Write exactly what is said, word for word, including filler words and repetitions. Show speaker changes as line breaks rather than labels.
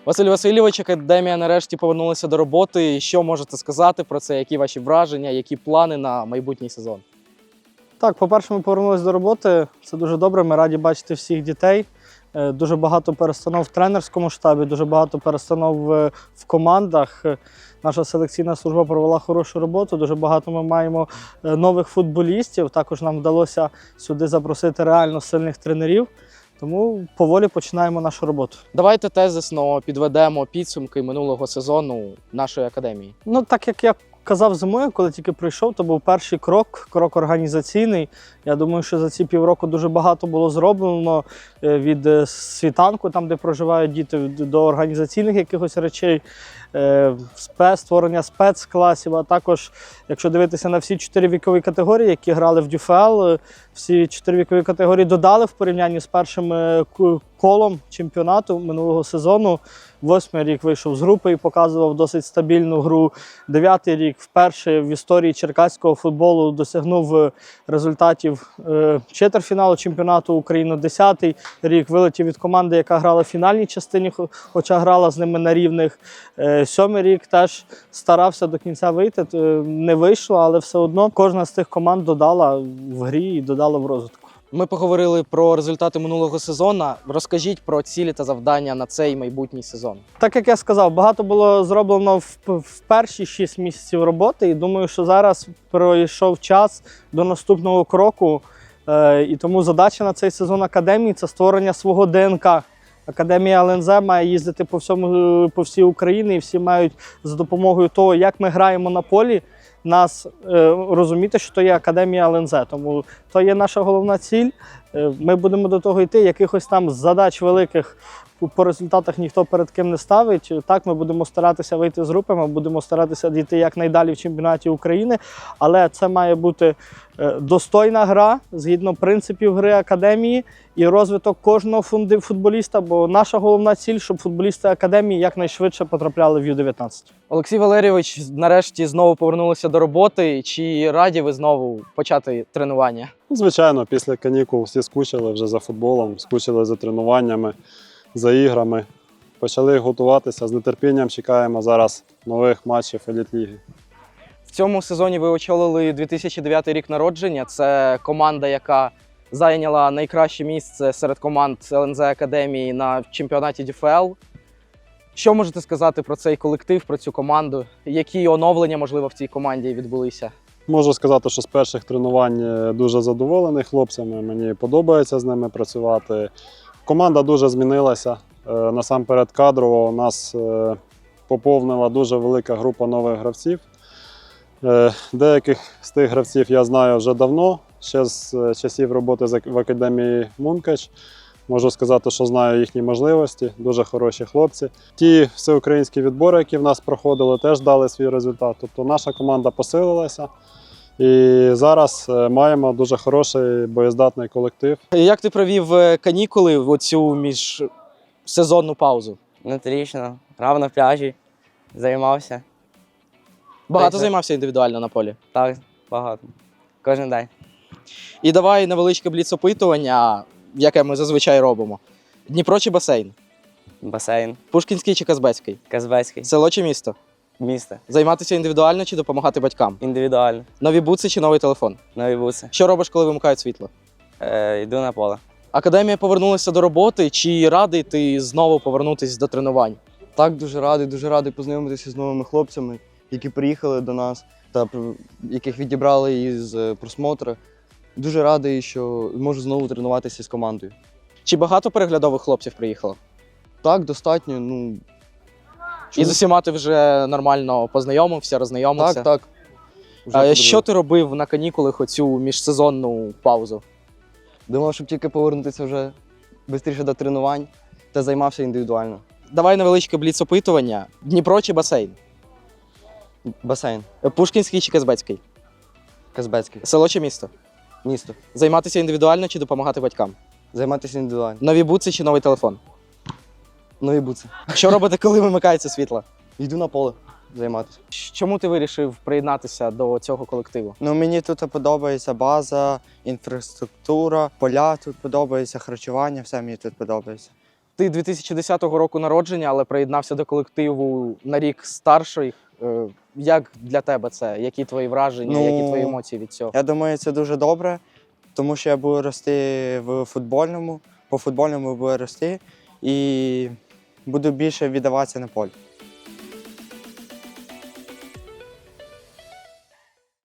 Василь Васильович, академія нарешті повернулася до роботи. Що можете сказати про це? Які ваші враження, які плани на майбутній сезон?
Так, по-перше, ми повернулися до роботи. Це дуже добре. Ми раді бачити всіх дітей. Дуже багато перестанов в тренерському штабі, дуже багато перестанов в командах. Наша селекційна служба провела хорошу роботу. Дуже багато ми маємо нових футболістів. Також нам вдалося сюди запросити реально сильних тренерів. Тому поволі починаємо нашу роботу.
Давайте тезисно підведемо підсумки минулого сезону нашої академії.
Ну, так як я казав зимою, коли тільки прийшов, то був перший крок, крок організаційний. Я думаю, що за ці півроку дуже багато було зроблено від світанку, там, де проживають діти, до організаційних якихось речей, спец, створення спецкласів, а також, якщо дивитися на всі чотири вікові категорії, які грали в ДЮФЛ, всі чотири вікові категорії додали в порівнянні з першим колом чемпіонату минулого сезону. Восьмий рік вийшов з групи і показував досить стабільну гру. Дев'ятий рік вперше в історії черкаського футболу досягнув результатів четвертьфіналу чемпіонату України. Десятий рік вилетів від команди, яка грала в фінальній частині, хоча грала з ними на рівних. Сьомий рік теж старався до кінця вийти, не вийшло, але все одно кожна з тих команд додала в грі і додала в розвитку.
Ми поговорили про результати минулого сезону. Розкажіть про цілі та завдання на цей майбутній сезон.
Так як я сказав, багато було зроблено в, в перші шість місяців роботи, і думаю, що зараз пройшов час до наступного кроку. Е, і тому задача на цей сезон академії – це створення свого ДНК. Академія ел ен зет має їздити по всьому, по всій Україні, і всі мають за допомогою того, як ми граємо на полі, нас е, розуміти, що то є Академія ел ен зет. Тому то є наша головна ціль. Е, ми будемо до того йти. Якихось там задач великих по результатах ніхто перед ким не ставить. Так, ми будемо старатися вийти з групи, ми будемо старатися дійти якнайдалі в чемпіонаті України, але це має бути е, достойна гра, згідно принципів гри Академії і розвиток кожного футболіста, бо наша головна ціль, щоб футболісти Академії якнайшвидше потрапляли в ю дев'ятнадцять.
Олексій Валерійович, нарешті знову повернулися до роботи. Чи раді ви знову почати тренування?
Звичайно, після канікул всі скучили вже за футболом, скучили за тренуваннями, за іграми. Почали готуватися, з нетерпінням чекаємо зараз нових матчів Еліт-ліги.
В цьому сезоні ви очолили дві тисячі дев'ятий рік народження. Це команда, яка зайняла найкраще місце серед команд ел ен зет Академії на чемпіонаті ДЮФЛ. Що можете сказати про цей колектив, про цю команду? Які оновлення, можливо, в цій команді відбулися?
Можу сказати, що з перших тренувань дуже задоволений хлопцями, мені подобається з ними працювати. Команда дуже змінилася. Насамперед кадрово у нас поповнила дуже велика група нових гравців. Деяких з тих гравців я знаю вже давно, ще з часів роботи в Академії Мункач. Можу сказати, що знаю їхні можливості, дуже хороші хлопці. Ті всеукраїнські відбори, які в нас проходили, теж дали свій результат. Тобто наша команда посилилася і зараз маємо дуже хороший боєздатний колектив.
Як ти провів канікули в оцю міжсезонну паузу?
Отлично. Грав на пляжі, займався.
Багато
Так,
займався індивідуально на полі?
Так, багато. Кожен день.
І давай невеличке бліц-опитування, яке ми зазвичай робимо. Дніпро чи басейн?
Басейн.
Пушкінський чи Казбецький?
Казбецький.
Село чи місто?
Місто.
Займатися індивідуально чи допомагати батькам?
Індивідуально.
Нові бутси чи новий телефон?
Нові буси.
Що робиш, коли вимикають світло?
Е, йду на поле.
Академія повернулася до роботи. Чи радий ти знову повернутися до тренувань?
Так, дуже радий, дуже радий познайомитися з новими хлопцями, які приїхали до нас та яких відібрали із просмотру. Дуже радий, що можу знову тренуватися з командою.
Чи багато переглядових хлопців приїхало?
Так, достатньо. Ну,
І з усіма ти вже нормально познайомився, роззнайомився?
Так, так.
А що ти робив на канікулах оцю міжсезонну паузу?
Думав, щоб тільки повернутися вже швидше до тренувань та займався індивідуально.
Давай невеличке бліц-опитування. Дніпро чи басейн?
Басейн.
Пушкінський чи Казбецький?
Казбецький.
Село чи місто?
Місто.
Займатися індивідуально чи допомагати батькам?
Займатися індивідуально.
Нові бутси чи новий телефон?
Нові бутси.
Що робити, коли вимикається світло?
Йду на поле займатися.
Чому ти вирішив приєднатися до цього колективу?
Ну, мені тут подобається база, інфраструктура, поля тут подобається, харчування, все мені тут подобається.
Ти дві тисячі десятого року народження, але приєднався до колективу на рік старший. Е, Як для тебе це? Які твої враження,
Ну,
які твої емоції від цього?
Я думаю, це дуже добре, тому що я буду рости в футбольному, по футбольному буду рости і буду більше віддаватися на полі.